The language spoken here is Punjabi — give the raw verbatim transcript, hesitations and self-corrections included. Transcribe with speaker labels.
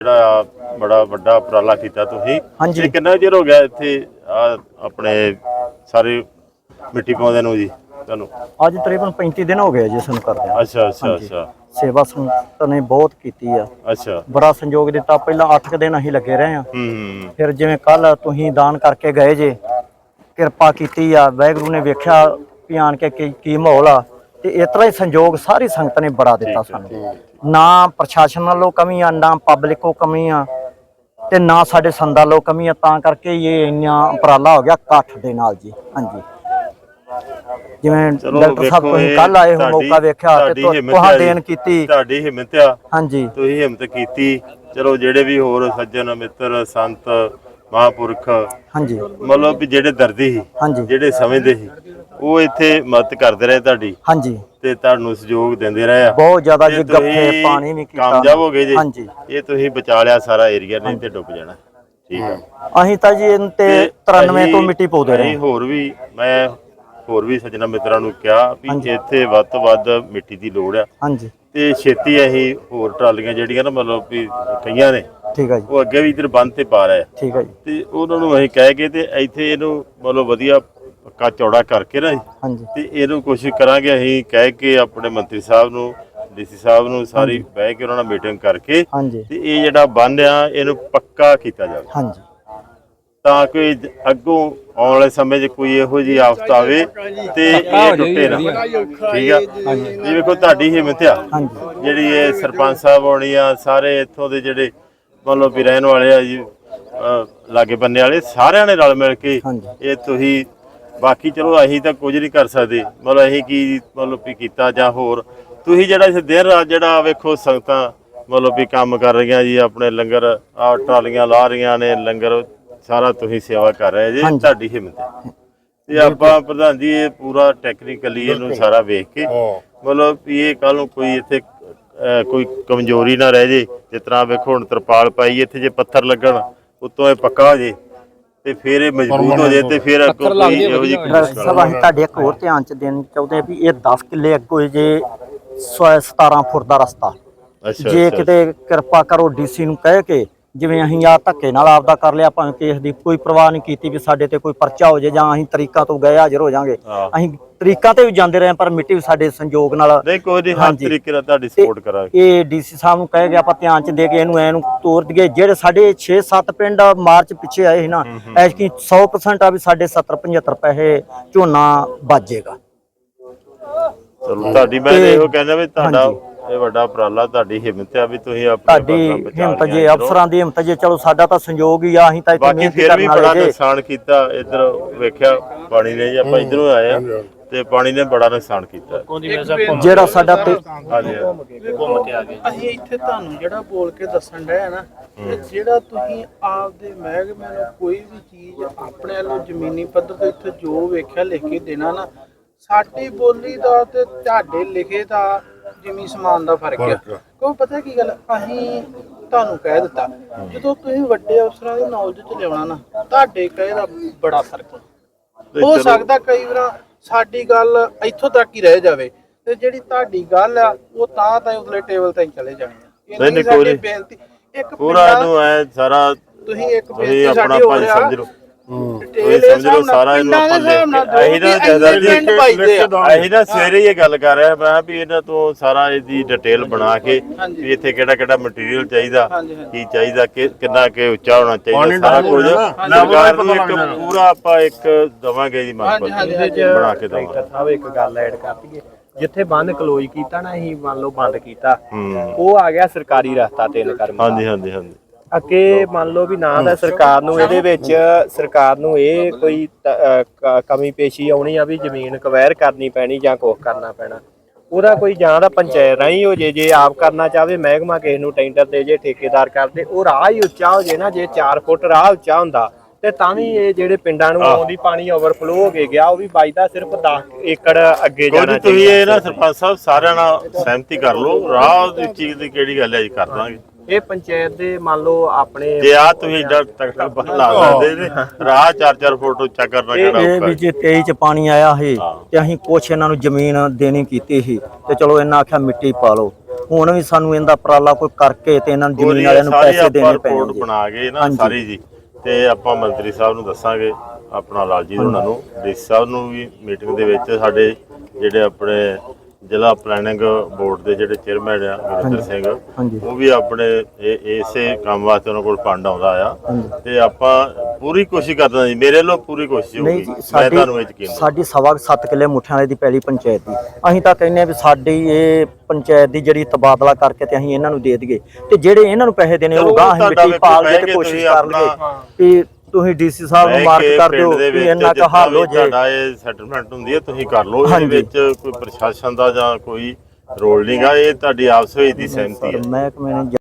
Speaker 1: ਜਿਹੜਾ ਬੜਾ ਵੱਡਾ ਉਪਰਾਲਾ ਕੀਤਾ ਤੁਸੀਂ।
Speaker 2: ਹਾਂਜੀ।
Speaker 1: ਕਿੰਨਾ ਚਿਰ ਹੋ ਗਿਆ ਇੱਥੇ ਆਪਣੇ ਸਾਰੇ ਮਿੱਟੀ ਪਾਉਂਦੇ ਨੂੰ ਜੀ ਤੁਹਾਨੂੰ?
Speaker 2: ਅੱਜ ਤਕਰੀਬਨ ਪੈਂਤੀ ਦਿਨ ਹੋ ਗਏ ਜੀ ਸਾਨੂੰ ਕਰਦੇ।
Speaker 1: ਅੱਛਾ ਅੱਛਾ ਅੱਛਾ।
Speaker 2: ਸੇਵਾ ਸੰਗਤ ਨੇ ਬਹੁਤ ਕੀਤੀ ਆ।
Speaker 1: ਅੱਛਾ।
Speaker 2: ਬੜਾ ਸੰਯੋਗ ਦਿੱਤਾ। ਪਹਿਲਾਂ ਅੱਠ ਕੁ ਦਿਨ ਅਸੀਂ ਲੱਗੇ ਰਹੇ ਆ।
Speaker 1: ਹੂੰ।
Speaker 2: ਫਿਰ ਜਿਵੇਂ ਕੱਲ ਤੁਸੀਂ ਦਾਨ ਕਰਕੇ ਗਏ ਜੇ, ਕਿਰਪਾ ਕੀਤੀ ਆ, ਵਾਹਿਗੁਰੂ ਨੇ ਵੇਖਿਆ ਵੀ ਆਣ ਕੇ ਕੀ ਕੀ ਮਾਹੌਲ ਆ, ਤੇ ਇਸ ਤਰ੍ਹਾਂ ਹੀ ਸੰਯੋਗ ਸਾਰੀ ਸੰਗਤ ਨੇ ਬੜਾ ਦਿੱਤਾ ਸਾਨੂੰ। ਨਾ ਪ੍ਰਸ਼ਾਸਨ ਵੱਲੋਂ ਕਮੀ ਆ, ਨਾ ਪਬਲਿਕ ਕੋ ਕਮੀ ਆ, ਤੇ ਨਾ ਸਾਡੇ ਸੰਦਾਂ ਵੱਲੋਂ ਕਮੀ ਆ। ਤਾਂ ਕਰਕੇ ਇਹ ਇੰਨਾ ਉਪਰਾਲਾ ਹੋ ਗਿਆ ਇਕੱਠ ਦੇ ਨਾਲ ਜੀ। ਹਾਂਜੀ, ਜਿਵੇਂ ਡਾਕਟਰ ਸਾਹਿਬ ਤੁਸੀਂ ਕੱਲ ਆਏ ਹੋ, ਮੌਕਾ ਵੇਖਿਆ ਤੇ ਤੁਹਾਂ ਦੇਣ ਕੀਤੀ।
Speaker 1: ਤੁਹਾਡੀ ਹਿੰਮਤ ਆ। ਹਾਂਜੀ, ਤੁਸੀਂ ਹਿੰਮਤ ਕੀਤੀ। ਚਲੋ ਜਿਹੜੇ ਵੀ ਹੋਰ ਸੱਜਣ ਮਿੱਤਰ ਸੰਤ ਮਹਾਂਪੁਰਖ, ਹਾਂਜੀ, ਮਤਲਬ ਵੀ ਜਿਹੜੇ ਦਰਦੀ ਸੀ, ਹਾਂਜੀ, ਜਿਹੜੇ ਸਮਝਦੇ ਸੀ, ਉਹ ਇੱਥੇ ਮਦਦ ਕਰਦੇ ਰਹੇ ਤੁਹਾਡੀ। ਹਾਂਜੀ, ਤੇ ਤੁਹਾਨੂੰ ਸਹਿਯੋਗ ਦਿੰਦੇ ਰਹੇ ਆ ਬਹੁਤ ਜ਼ਿਆਦਾ ਜੀ। ਗੱਫੇ ਪਾਣੀ ਵੀ ਕੀਤਾ, ਕਾਮਯਾਬ ਹੋ ਗਏ ਜੀ। ਹਾਂਜੀ, ਇਹ ਤੁਸੀਂ ਬਚਾ ਲਿਆ ਸਾਰਾ ਏਰੀਆ, ਨਹੀਂ ਤੇ ਡੁੱਬ ਜਾਣਾ। ਠੀਕ ਆ। ਅਸੀਂ ਤਾਂ ਜੀ ਇਹਨਾਂ ਤੇ ਤਰਾਨਵੇਂ ਤੋਂ ਮਿੱਟੀ ਪਾਉਂਦੇ ਰਹੇ। ਹੋਰ ਵੀ ਮੈਂ ਹੋਰ ਵੀ ਸੱਜਣਾ ਮਿੱਤਰਾਂ ਨੂੰ ਕਿਹਾ ਵੀ ਇੱਥੇ ਵੱਧ ਤੋਂ ਵੱਧ ਮਿੱਟੀ ਦੀ ਲੋੜ ਆ। ਹਾਂਜੀ, ਤੇ ਛੇਤੀ ਅਸੀਂ ਹੋਰ ਟਰਾਲੀਆਂ ਜਿਹੜੀਆਂ ਨਾ ਮਤਲਬ ਵੀ ਕਈਆਂ ਨੇ, ਠੀਕ ਆ ਜੀ, ਉਹ ਅੱਗੇ ਵੀ ਇੱਧਰ ਬੰਦ ਤੇ ਪਾ ਰਹੇ ਆ। ਠੀਕ ਆ ਜੀ। ਤੇ ਉਹਨਾਂ ਨੂੰ ਅਸੀਂ ਕਹਿ ਕੇ ਤੇ ਇੱਥੇ ਇਹਨੂੰ ਮਤਲਬ ਵਧੀਆ ਪੱਕਾ ਚੌੜਾ ਕਰਕੇ ਨਾ, ਹਾਂਜੀ, ਤੇ ਇਹਨੂੰ ਕੋਸ਼ਿਸ਼ ਕਰਾਂਗੇ ਅਸੀਂ ਕਹਿ ਕੇ ਆਪਣੇ ਮੰਤਰੀ ਸਾਹਿਬ ਨੂੰ, ਡੀਸੀ ਸਾਹਿਬ ਨੂੰ, ਸਾਰੀ ਬਹਿ ਕੇ ਉਹਨਾਂ ਨਾਲ ਮੀਟਿੰਗ ਕਰਕੇ, ਤੇ ਇਹ ਜਿਹੜਾ ਬੰਨ ਆ ਇਹਨੂੰ ਪੱਕਾ ਕੀਤਾ ਜਾਵੇ। ਹਾਂਜੀ, ਤਾਂ ਕਿ ਅੱਗੋਂ ਆਉਣ ਵਾਲੇ ਸਮੇਂ 'ਚ ਕੋਈ ਇਹੋ ਜਿਹੀ ਆਫਤ ਆਵੇ ਤੇ ਇਹ ਟੁੱਟੇ ਨਾ। ਠੀਕ ਆ ਜੀ। ਵੇਖੋ ਤੁਹਾਡੀ ਹਿੰਮਤ ਆ ਜਿਹੜੀ ਇਹ ਸਰਪੰਚ ਸਾਹਿਬ ਹੋਣੀ ਆ, ਸਾਰੇ ਇੱਥੋਂ ਦੇ ਜਿਹੜੇ ਮਤਲਬ ਵੀ ਰਹਿਣ ਵਾਲੇ ਆ ਜੀ, ਲਾਗੇ ਬੰਨੇ ਵਾਲੇ, ਸਾਰਿਆਂ ਨੇ ਰਲ ਮਿਲ ਕੇ ਇਹ ਤੁਸੀਂ। ਬਾਕੀ ਚਲੋ ਅਸੀਂ ਤਾਂ ਕੁਝ ਨਹੀਂ ਕਰ ਸਕਦੇ, ਮਤਲਬ ਅਸੀਂ ਕੀ ਮਤਲਬ ਵੀ ਕੀਤਾ ਜਾਂ ਹੋਰ ਤੁਸੀਂ ਜਿਹੜਾ ਇਸ ਦਿਨ ਰਾਤ ਜਿਹੜਾ ਵੇਖੋ ਸੰਗਤਾਂ ਮਤਲਬ ਵੀ ਕੰਮ ਕਰ ਰਹੀਆਂ ਜੀ, ਆਪਣੇ ਲੰਗਰ ਆ ਟਰਾਲੀਆਂ ਲਾ ਰਹੀਆਂ ਨੇ, ਲੰਗਰ ਸਾਰਾ ਤੁਸੀਂ ਸੇਵਾ ਕਰ ਰਹੇ ਜੀ। ਤੁਹਾਡੀ ਹਿੰਮਤ ਹੈ। ਤੇ ਆਪਾਂ ਪ੍ਰਧਾਨ ਜੀ ਇਹ ਪੂਰਾ ਟੈਕਨੀਕਲੀ ਇਹਨੂੰ ਸਾਰਾ ਵੇਖ ਕੇ ਮਤਲਬ ਵੀ ਇਹ ਕੱਲ ਨੂੰ ਕੋਈ ਇੱਥੇ ਕੋਈ ਕਮਜ਼ੋਰੀ ਨਾ ਰਹਿ ਜੇ। ਜਿਸ ਤਰ੍ਹਾਂ ਵੇਖੋ ਹੁਣ ਤਰਪਾਲ ਪਾਈ, ਇੱਥੇ ਜੇ ਪੱਥਰ ਲੱਗਣ ਉੱਤੋਂ ਇਹ ਪੱਕਾ ਹੋ ਜੇ ਤੇ ਫਿਰ ਇਹ ਮਜ਼ਬੂਤ ਹੋ ਜੇ, ਤੇ ਫਿਰ ਅੱਗੋਂ ਕੋਈ ਇਹੋ ਜਿਹੀ
Speaker 2: ਸਭ ਅਸੀਂ ਤੁਹਾਡੇ ਇੱਕ ਹੋਰ ਧਿਆਨ ਚ ਦੇਣ ਚਾਹੁੰਦੇ ਆ ਵੀ ਇਹ ਦਸ ਕਿੱਲੇ ਅੱਗੋਂ ਜੇ ਸਤਾਰਾਂ ਫੁੱਟ ਦਾ ਰਸਤਾ, ਜੇ ਕਿਤੇ ਕਿਰਪਾ ਕਰੋ ਡੀਸੀ ਨੂੰ ਕਹਿ ਕੇ, ਜਿਵੇਂ ਅਸੀਂ ਆ ਧੱਕੇ ਨਾਲ ਆਪਦਾ ਕਰ ਲਿਆ, ਭਾਵੇਂ ਕੇਸ ਦੀ ਕੋਈ ਪਰਵਾਹ ਨਹੀਂ ਕੀਤੀ ਵੀ ਸਾਡੇ ਤੇ ਕੋਈ ਪਰਚਾ ਹੋ ਜੇ ਜਾਂ ਅਸੀਂ ਤਰੀਕਾਂ ਤੋਂ ਗਏ ਹਾਜ਼ਰ ਹੋ ਜਾਾਂਗੇ। ਅਸੀਂ ਤਰੀਕਾਂ ਤੇ ਵੀ ਜਾਂਦੇ ਰਹੇ, ਪਰ ਮਿੱਟੀ ਵੀ ਸਾਡੇ ਸੰਯੋਗ ਨਾਲ
Speaker 1: ਨਹੀਂ ਕੋਈ ਨਹੀਂ, ਹਰ ਤਰੀਕੇ ਨਾਲ ਤੁਹਾਡੀ ਸਪੋਰਟ ਕਰਾਂਗੇ।
Speaker 2: ਇਹ ਡੀਸੀ ਸਾਹਿਬ ਨੂੰ ਕਹਿ ਕੇ ਆਪਾਂ ਧਿਆਨ ਚ ਦੇ ਕੇ ਇਹਨੂੰ ਐਨੂੰ ਤੋਰ ਦਈਏ। ਜਿਹੜੇ ਸਾਡੇ ਛੇ ਸੱਤ ਪਿੰਡ ਮਾਰਚ ਪਿੱਛੇ ਆਏ ਸੀ ਨਾ, ਐਤਕੀ ਸੌ ਪਰਸੈਂਟ ਆ ਵੀ ਸਾਡੇ ਸੱਤਰ ਪਝੱਤਰ ਪੈਸੇ ਝੋਨਾ ਬਚੇਗਾ।
Speaker 1: ਚਲੋ ਤੁਹਾਡੀ ਮੈਂ ਇਹੋ ਕਹਿੰਦਾ ਵੀ ਤੁਹਾਡਾ ਇਹ ਵੱਡਾ ਉਪਰਾਲਾ, ਤੁਹਾਡੀ ਹਿੰਮਤ ਆ ਵੀ ਤੁਸੀਂ
Speaker 2: ਤੁਹਾਡੀ ਹਿੰਮਤ ਜੇ, ਅਫਸਰਾਂ ਦੀ ਹਿੰਮਤ ਜੇ। ਚਲੋ ਸਾਡਾ ਤਾਂ ਸੰਯੋਗ ਹੀ ਆ, ਅਸੀਂ ਤਾਂ ਇੱਥੇ ਮਿਹਨਤ ਕਰਨ ਵਾਲੇ।
Speaker 1: ਬੜਾ ਨੁਕਸਾਨ ਕੀਤਾ ਇੱਧਰ ਵੇਖਿਆ ਪਾਣੀ ਨੇ ਜੀ, ਆਪਾਂ ਇੱਧਰੋਂ ਆਏ ਆ ਤੇ ਪਾਣੀ ਨੇ ਬੜਾ ਨੁਕਸਾਨ ਕੀਤਾ
Speaker 2: ਜਿਹੜਾ ਸਾਡਾ ਤੇ।
Speaker 3: ਅਸੀਂ ਇੱਥੇ ਤੁਹਾਨੂੰ ਜਿਹੜਾ ਬੋਲ ਕੇ ਦੱਸਣ ਡਿਆ ਨਾ, ਜਿਹੜਾ ਤੁਸੀਂ ਆਪਦੇ ਮਹਿਕਮੇ ਨੂੰ ਕੋਈ ਵੀ ਚੀਜ਼ ਆਪਣੇ ਵੱਲੋਂ ਜ਼ਮੀਨੀ ਪੱਧਰ ਤੇ ਇੱਥੇ ਜੋ ਵੇਖਿਆ ਲਿਖ ਕੇ ਦੇਣਾ ਨਾ, ਸਾਡੀ ਬੋਲੀ ਦਾ ਤੇ ਤੁਹਾਡੇ ਲਿਖੇ ਦਾ ਜਿਮੀ ਸਮਾਨ ਦਾ ਫਰਕ ਆ। ਕਿਉਂ ਪਤਾ ਕੀ ਗੱਲ, ਅਸੀਂ ਤੁਹਾਨੂੰ ਕਹਿ ਦਿੱਤਾ, ਜਦੋਂ ਤੁਸੀਂ ਵੱਡੇ ਅਫਸਰਾਂ ਦੀ ਨੌਲੇਜ ਚ ਲਿਆਉਣਾ ਨਾ, ਤੁਹਾਡੇ ਕਹੇ ਦਾ ਬੜਾ ਫਰਕ ਹੋ ਸਕਦਾ। ਕਈ ਵਾਰ ਸਾਡੀ ਗੱਲ ਇੱਥੋਂ ਤੱਕ ਹੀ ਰਹਿ ਜਾਵੇ, ਤੇ ਜਿਹੜੀ ਤੁਹਾਡੀ ਗੱਲ ਆ ਉਹ ਤਾਂ ਤਾਂ ਉਸਲੇ ਟੇਬਲ ਤੇ ਚਲੇ ਜਾਣੀ ਆ।
Speaker 1: ਨਹੀਂ ਕੋਈ ਬੇਨਤੀ ਇੱਕ ਪੂਰਾ ਇਹਨੂੰ ਐ ਸਾਰਾ
Speaker 3: ਤੁਸੀਂ ਇੱਕ ਬੇਨਤੀ ਸਾਡੀ ਹੋ ਰਿਹਾ,
Speaker 1: ਸਮਝ ਲਓ ਸਮਝ ਲਓ ਸਾਰਾ ਇਹਨੂੰ ਆਪਾਂ ਅਸੀਂ ਨਾ ਜਿਆਦਾ ਜੀ ਅਸੀਂ ਨਾ ਸਵੇਰੇ ਹੀ ਇਹ ਗੱਲ ਕਰ ਰਿਹਾ ਮੈਂ ਵੀ ਇਹਨਾਂ ਤੋਂ ਸਾਰਾ ਇਹਦੀ ਡਿਟੇਲ ਬਣਾ ਕੇ ਵੀ ਇੱਥੇ ਕਿਹੜਾ ਕਿਹੜਾ ਮਟੀਰੀਅਲ ਚਾਹੀਦਾ, ਕੀ ਚਾਹੀਦਾ, ਕਿੰਨਾ ਕਿ ਉੱਚਾ ਹੋਣਾ ਚਾਹੀਦਾ, ਸਾਰਾ ਕੁਝ ਸਰਕਾਰ ਨੂੰ ਇੱਕ ਪੂਰਾ ਆਪਾਂ ਇੱਕ ਦਵਾਂਗੇ ਜੀ ਮੰਗ ਬਣਾ ਕੇ ਦਵਾਂਗੇ।
Speaker 4: ਸਾਹਿਬ ਇੱਕ ਗੱਲ ਐਡ ਕਰ ਦਈਏ, ਜਿੱਥੇ ਬੰਦ ਕਲੋਜ਼ ਕੀਤਾ ਨਾ, ਅਸੀਂ ਮੰਨ ਲਓ ਬੰਦ ਕੀਤਾ, ਉਹ ਆ ਗਿਆ ਸਰਕਾਰੀ ਰਸਤਾ ਤਿੰਨ ਕਰਮ।
Speaker 1: ਹਾਂਜੀ ਹਾਂਜੀ ਹਾਂਜੀ।
Speaker 4: ਅੱਗੇ ਮੰਨ ਲਓ ਵੀ ਨਾ ਦਾ ਸਰਕਾਰ ਨੂੰ ਇਹਦੇ ਵਿੱਚ ਸਰਕਾਰ ਨੂੰ ਇਹ ਕੋਈ ਕਮੀ ਪੇਸ਼ੀ ਆਉਣੀ ਆ ਵੀ ਜ਼ਮੀਨ ਕਵੈਰ ਕਰਨੀ ਪੈਣੀ ਜਾਂ ਕੁਛ ਕਰਨਾ ਪੈਣਾ, ਉਹਦਾ ਕੋਈ ਜਾਂ ਦਾ ਪੰਚਾਇਤ ਰਾਹੀਂ ਹੋ ਜੇ, ਜੇ ਆਪ ਕਰਨਾ ਚਾਹਵੇ ਮਹਿਕਮਾ ਕਿਸੇ ਨੂੰ ਟੈਂਡਰ ਦੇ ਜੇ, ਠੇਕੇਦਾਰ ਕਰਦੇ, ਉਹ ਰਾਹ ਹੀ ਉੱਚਾ ਹੋ ਜੇ ਨਾ। ਜੇ ਚਾਰ ਫੁੱਟ ਰਾਹ ਉੱਚਾ ਹੁੰਦਾ ਤੇ ਤਾਂ ਵੀ ਇਹ ਜਿਹੜੇ ਪਿੰਡਾਂ ਨੂੰ ਆਉਂਦੀ ਪਾਣੀ ਓਵਰਫਲੋ ਹੋ ਕੇ ਗਿਆ, ਉਹ ਵੀ ਬਚਦਾ ਸਿਰਫ ਦਸ ਏਕੜ ਅੱਗੇ ਜਾਣਾ ਚਾਹੀਦਾ।
Speaker 1: ਤੁਸੀਂ ਇਹ ਨਾ ਸਰਪੰਚ ਸਾਹਿਬ ਸਾਰਿਆਂ ਨਾਲ ਸਹਿਮਤੀ ਕਰ ਲਓ, ਰਾਹ ਦੀ ਚੀਜ਼ ਦੀ ਕਿਹੜੀ ਗੱਲ ਹੈ ਜੀ, ਕਰ ਦਾਂਗੇ।
Speaker 4: ਇਹ ਪੰਚਾਇਤ ਦੇ ਮੰਨ ਲਓ ਆਪਣੇ
Speaker 1: ਜੇ ਆ ਤੁਸੀਂ ਏਡਾ ਤਕੜਾ ਬਹਲਾ ਸਕਦੇ ਨੇ, ਰਾਹ ਚਾਰ ਚਾਰ ਫੁੱਟ ਉੱਚਾ ਕਰਨਾ ਕਿਹੜਾ ਔਖਾ।
Speaker 2: ਇਹ ਵੀ ਜੇ ਤੇਈ ਚ ਪਾਣੀ ਆਇਆ ਸੀ ਤੇ ਅਸੀਂ ਕੁਛ ਇਹਨਾਂ ਨੂੰ ਜ਼ਮੀਨ ਦੇਣੀ ਕੀਤੀ ਸੀ, ਤੇ ਚਲੋ ਇਹਨਾਂ ਆਖਿਆ ਮਿੱਟੀ ਪਾ ਲਓ। ਹੁਣ ਵੀ ਸਾਨੂੰ ਇਹਦਾ ਉਪਰਾਲਾ ਕੋਈ ਕਰਕੇ ਤੇ ਇਹਨਾਂ ਨੂੰ ਜ਼ਮੀਨ
Speaker 1: ਕੋਈ
Speaker 2: ਵਾਲਿਆਂ ਨੂੰ
Speaker 1: ਸਾਰੀ
Speaker 2: ਪੈਸੇ ਦੇਣੇ
Speaker 1: ਆਪਾਂ
Speaker 2: ਪੈਣੇ
Speaker 1: ਰਿਪੋਰਟ
Speaker 2: ਜੀ।
Speaker 1: ਬਣਾ ਕੇ ਨਾ
Speaker 2: ਹਾਂਜੀ।
Speaker 1: ਸਾਰੀ ਜੀ, ਤੇ ਆਪਾਂ ਮੰਤਰੀ ਸਾਹਿਬ ਨੂੰ ਦੱਸਾਂਗੇ, ਆਪਣਾ ਲਾਲਜੀਤ ਉਹਨਾਂ ਨੂੰ, ਡੀ ਸੀ ਸਾਹਿਬ ਨੂੰ ਵੀ ਮੀਟਿੰਗ ਦੇ ਵਿੱਚ, ਸਾਡੇ ਜਿਹੜੇ ਆਪਣੇ ਜ਼ਿਲ੍ਹਾ ਪਲੈਨਿੰਗ ਬੋਰਡ ਦੇ ਜਿਹੜੇ ਚੇਅਰਮੈਨ ਆ ਗੁਰਿੰਦਰ ਸਿੰਘ,
Speaker 2: ਹਾਂਜੀ।
Speaker 1: ਉਹ ਵੀ ਆਪਣੇ ਇਹ ਇਸੇ ਕੰਮ ਵਾਸਤੇ ਉਹਨਾਂ ਕੋਲ ਫੰਡ ਆਉਂਦਾ ਆ, ਤੇ ਆਪਾਂ ਪੂਰੀ ਕੋਸ਼ਿਸ਼ ਕਰਦਾ ਜੀ, ਮੇਰੇ ਵੱਲੋਂ ਪੂਰੀ ਕੋਸ਼ਿਸ਼
Speaker 2: ਨਹੀਂ
Speaker 1: ਹੋਊਗੀ।
Speaker 2: ਜੀ,
Speaker 1: ਮੈਂ
Speaker 2: ਸਾਡੀ
Speaker 1: ਤੁਹਾਨੂੰ ਇਹ ਯਕੀਨ
Speaker 2: ਸਾਡੀ ਸਵਾ ਕੁ ਸੱਤ ਕਿੱਲੇ ਮੁੱਠਿਆਂ ਵਾਲੇ ਦੀ ਪਹਿਲੀ ਪੰਚਾਇਤ ਦੀ, ਅਸੀਂ ਤਾਂ ਕਹਿੰਦੇ ਆ ਵੀ ਸਾਡੀ ਇਹ ਪੰਚਾਇਤ ਦੀ ਜਿਹੜੀ ਤਬਾਦਲਾ ਕਰਕੇ ਤੇ ਅਸੀਂ ਇਹਨਾਂ ਨੂੰ ਦੇ ਦਈਏ, ਤੇ ਜਿਹੜੇ ਇਹਨਾਂ ਨੂੰ ਪੈਸੇ ਦੇਣੇ ਉਹ ਗਾਂ ਅਸੀਂ ਮਿੱਟੀ ਪਾਲ ਦੇ ਤੇ ਕੋਸ਼ਿਸ਼ ਕਰ ਲਈਏ ਵੀ ਤੁਸੀਂ ਡੀਸੀ ਸਾਹਿਬ ਨੂੰ ਮਾਰਕ ਕਰ ਦਿਓ ਵੀ ਇੰਨਾ ਕੁ ਹੱਲ ਹੋ ਜੇ।
Speaker 1: ਤੁਹਾਡਾ ਇਹ ਸੈਟਲਮੈਂਟ ਹੁੰਦੀ ਹੈ, ਤੁਸੀਂ ਕਰ ਲਓ। ਇਹਦੇ ਵਿੱਚ ਕੋਈ ਪ੍ਰਸ਼ਾਸਨ ਦਾ ਜਾਂ ਕੋਈ ਰੋਲ ਨਹੀਂਗਾ, ਇਹ ਤੁਹਾਡੀ ਆਪਸ ਵਿੱਚ ਦੀ ਸਹਿਮਤੀ ਹੈ।
Speaker 2: ਮਹਿਕਮੇ ਨੇ